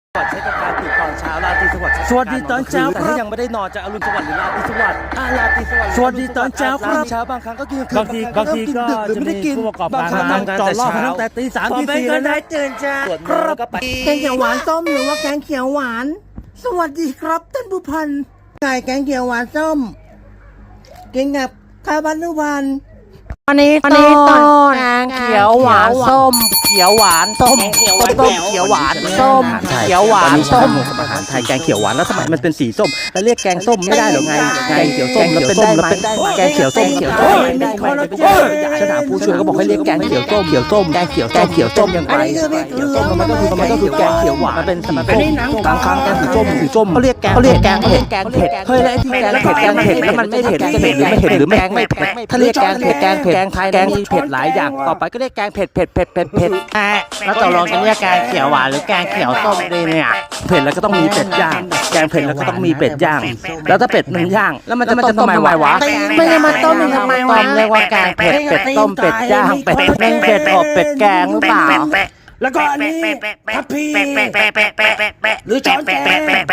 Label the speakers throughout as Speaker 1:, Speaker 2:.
Speaker 1: ใช้กับการตื่นตอนเช้าราตรีสวัสดิ์
Speaker 2: สวัสดีตอนเช้า
Speaker 1: แต่
Speaker 2: ครั
Speaker 1: ถ้า
Speaker 2: บ
Speaker 1: ยังไม่ได้นอนจะอรุณสวัสดิ์หรือราตรีสวัสดิ์ราตรีสวัสดิ์
Speaker 2: สวัสดีตอนเช้าครับ
Speaker 1: เช้าบางครั้งก็กิน
Speaker 2: บางทีก็
Speaker 1: หรือ
Speaker 2: จะ
Speaker 1: ไม่
Speaker 2: มี
Speaker 1: ได้กิน
Speaker 2: ผู้ประกอบ
Speaker 1: บาง
Speaker 2: การ
Speaker 1: ครั้ง
Speaker 2: ทำ
Speaker 1: จ
Speaker 2: จ
Speaker 1: อ
Speaker 2: อ
Speaker 1: ด
Speaker 2: ด
Speaker 1: ร
Speaker 2: ร
Speaker 1: อ
Speaker 2: อ
Speaker 1: บบ ตั้
Speaker 2: ตั้
Speaker 1: ง
Speaker 2: ง
Speaker 1: แต่
Speaker 2: แต่
Speaker 1: ตี
Speaker 2: ตี
Speaker 1: สา
Speaker 2: สาม ม
Speaker 1: ตี
Speaker 2: ตี
Speaker 1: สี่
Speaker 2: สี่
Speaker 1: แล้
Speaker 2: แล้ว ว
Speaker 1: นะ
Speaker 2: นะตื่นจ้า
Speaker 1: สวดมนต์แล้วก็ไป
Speaker 2: แกงเขียวหวานส้มหรือว่าแกงเขียวหวาน สวัสดีครับท่านผู้พันไก่แกงเขียวหวานส้มกินกับข้าวบ้านทุกวันอันนี้ต้นแกงเขียวหวานส้มเขียวหวานส้มต้มเขียวหวานส้มเขียวหวานส้ม
Speaker 1: อาหารไทยแกงเขียวหวานแล้วทำไมมันเป็นสีส้มแล้วเรียกแกงส้มไม่ได้หรอไงแกงเขียวส้มแล้วเป็นได้ไหมแกงเขียวส้มฉันถามผู้ช่วยก็บอกให้เรียกแกงเขียวส้มแกงเขียวส้มยังไงเขียวส้มมันก็คือแกงเขียวหวานมันเป็นสีส้มบางครั้งแกงสีส้มเขาเรียกแกงเผ็ดเฮ้ยแล้วที่แกงเผ็ดแล้วมันไม่เผ็ดจะเผ็ดหรือไม่เผ็ดหรือแกงไม่เผ็ดถ้าเรียกแกงเผ็ดแกงไทยแกงมีเผ็ดหลายอย่างต่อไปก็เรียกแกงเผ็ด
Speaker 2: แล้วตกลงจะเรียกแกงเขียวหวานหรือแกงเขียวส้มดีเนี่ย
Speaker 1: เผ็ดแล้วก็ต้องมีเป็ดย่างแกงเผ็ดแล้วก็ต้องมีเป็ดย่างแล้วถ้าเป็ดมันย่างแล้วมันจะต้มทำไมวะ
Speaker 2: ไม่ได้มาต้มทำไมวะเรียกว่าแกงเผ็ดเป็ดต้มเป็ดย่างเป็ดเม่งเป็ดอบเป็ดแกงหรือเปล่าแล้วก็อันนี้ทัพพีหรือช้อนแกง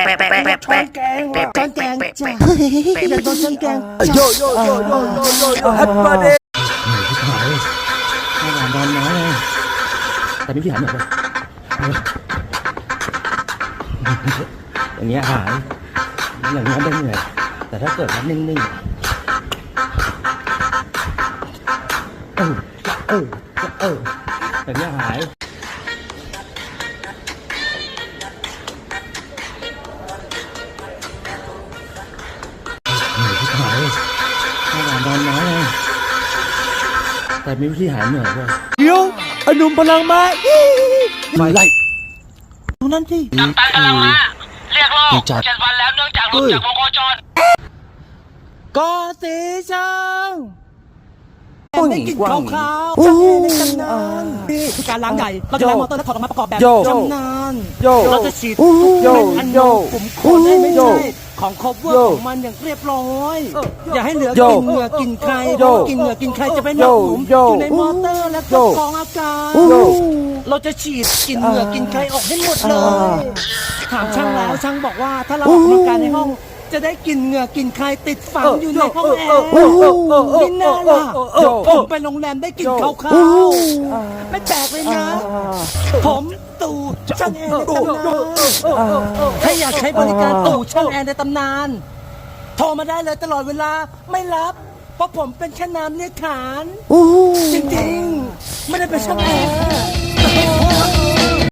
Speaker 2: ช้อนแกงจ้ะอยากโดนช้อนแกง
Speaker 1: โยฮัตมาเดนอนน้อยแต่ไม่พี่หันหน่อยอย่างเงี้ยหายอย่างเงี้ยได้เหนื่อยแต่ถ้าเกิดว่านิ่งอย่างเงี้ยหายนอนน้อยแต่มีวิธีหายเหนื่อยด้วยเดี๋ยวอนุมพลังมาไม่ไล่ตรงนั้นที่
Speaker 3: กัปตันกำลังมาเรียกโลก7 วันแล้วเนื่องจากหลุดจากวงโคจร
Speaker 1: กอสีช่าง
Speaker 2: ได้กลิ่นขาวๆจากในตำนานนี่คือการล้างใหญ่เราจะล้างมอเตอร์และถอดออกมาประกอบแบบตำนานเราจะฉีดทุกเม็ดอันนมขุมขนให้ไม่ใช่ของครบเวอร์ของมันอย่างเรียบร้อยอย่าให้เหลือกลิ่นเหงื่อกลิ่นใครกินเหงื่อกลิ่นใครจะเป็นหนองหลุมอยู่ในมอเตอร์และก็กรองอากาศเราจะฉีดกลิ่นเหงื่อกลิ่นใครออกให้หมดเลยถามช่างแล้วช่างบอกว่าถ้าเราออกกำลังกายในห้องจะได้กลิ่นเหงื่อกลิ่นใครติดฝังอยู่ในห้องแอร์มิน่าล่ะผมไปโรงแรมได้กลิ่นขาวๆไม่แปลกเลยนะผมตู่ช่างแอร์ในตำนานถ้าอยากใช้บริการตู่ช่างแอร์ในตำนานโทรมาได้เลยตลอดเวลาไม่รับเพราะผมเป็นแค่นามเรียกขานจริงๆไม่ได้เป็นช่างแอร์